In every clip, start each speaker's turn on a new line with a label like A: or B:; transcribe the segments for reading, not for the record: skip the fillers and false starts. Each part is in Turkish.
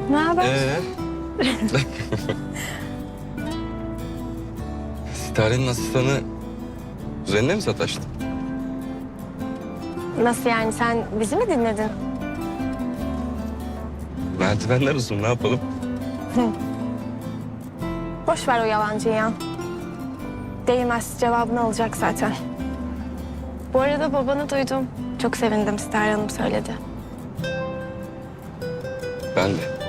A: Ne haber?
B: Sitare'nin asistanı kuzenine mi sataştı?
A: Nasıl yani, sen bizi mi dinledin?
B: Merdivenler uzun, ne yapalım?
A: Boş ver o yalancıyı ya. Değmez, cevabını alacak zaten. Bu arada babanı duydum. Çok sevindim, Sitare Hanım söyledi.
B: Ben de.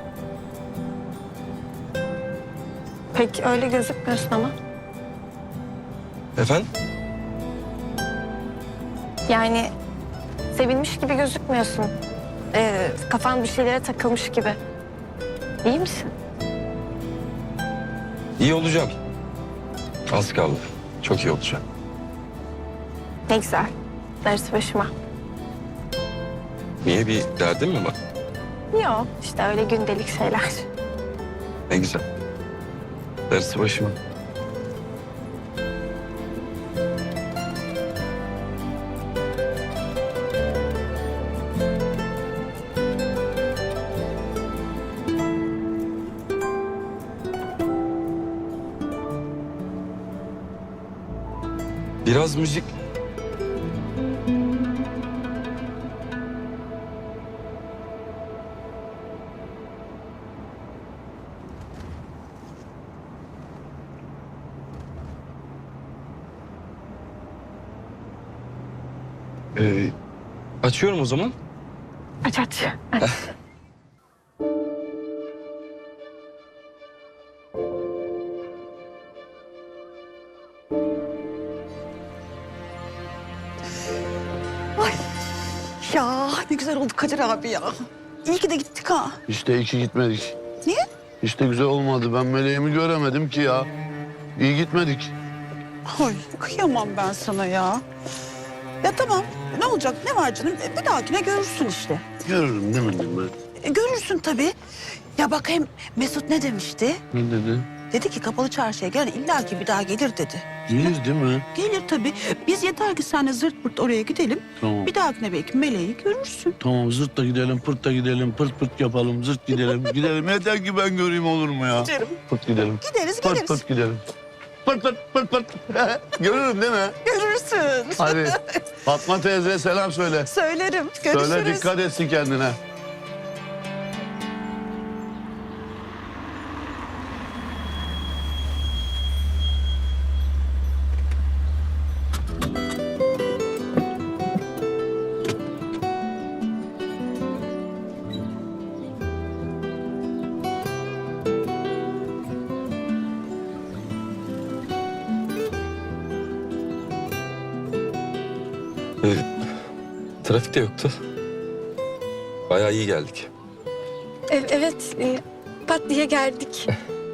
A: Pek öyle gözükmüyorsun ama.
B: Efendim?
A: Yani sevinmiş gibi gözükmüyorsun. Kafan bir şeylere takılmış gibi. İyi misin?
B: İyi olacağım. Az kaldı. Çok iyi olacağım.
A: Ne güzel. Darısı başıma.
B: Niye, bir derdin mi var?
A: Yok, işte öyle gündelik şeyler.
B: Ne güzel. Darısı başıma. Biraz müzik. Açıyorum o zaman.
A: Aç aç. Aç.
C: Ya ne güzel oldu Kadir abi ya. İyi ki de gittik ha.
D: İşte iki gitmedik.
C: Niye?
D: İşte güzel olmadı. Ben meleğimi göremedim ki ya. İyi gitmedik.
C: Ay kıyamam ben sana ya. Ya tamam ne olacak ne var canım? Bir dahakine görürsün işte.
D: Görürüm değil mi ben?
C: Görürsün tabii. Ya bak hem Mesut ne demişti?
D: Ne dedi?
C: Dedi ki kapalı çarşıya gelen illaki bir daha gelir dedi.
D: Gelir değil mi?
C: Gelir tabii. Biz yeter ki seninle zırt pırt oraya gidelim.
D: Tamam.
C: Bir dahakine belki meleği görürsün.
D: Tamam, zırt da gidelim, pırt da gidelim, pırt pırt yapalım, zırt gidelim, gidelim. Yeter ki ben göreyim, olur mu ya?
C: Gidelim.
D: Pırt gidelim.
C: Gideriz
D: Pırt
C: geliriz.
D: pırt gidelim. Pırt pırt pırt pırt. Görürüm değil mi?
C: Görürsün.
D: Hadi Fatma teyze selam söyle.
C: Söylerim. Görüşürüz.
D: Söyle, dikkat etsin kendine.
B: Trafik de yoktu. Bayağı iyi geldik.
A: Evet, pat diye geldik.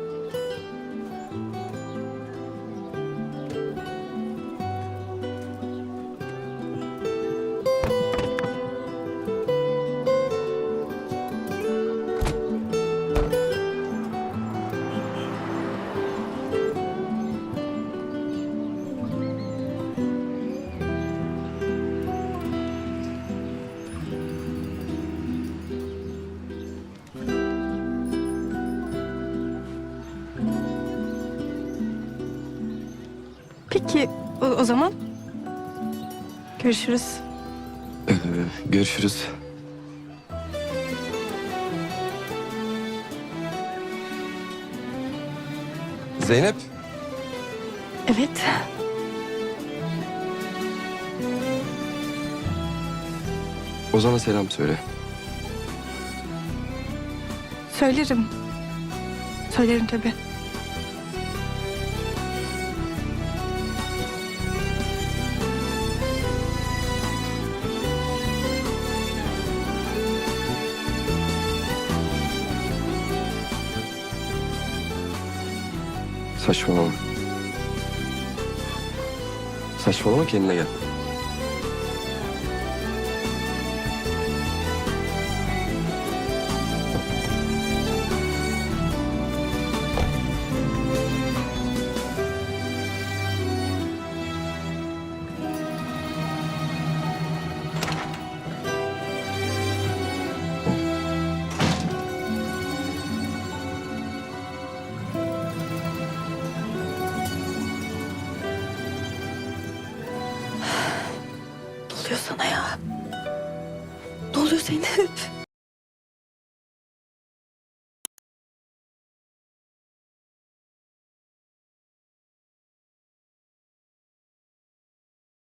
A: Peki, o zaman görüşürüz.
B: Görüşürüz. Zeynep.
A: Evet.
B: Ozan'a selam söyle.
A: Söylerim. Söylerim tabii.
B: Saçmalama. Saçmalama, kendine gel.
E: oluyor sana ya? Ne oluyor Zeynep?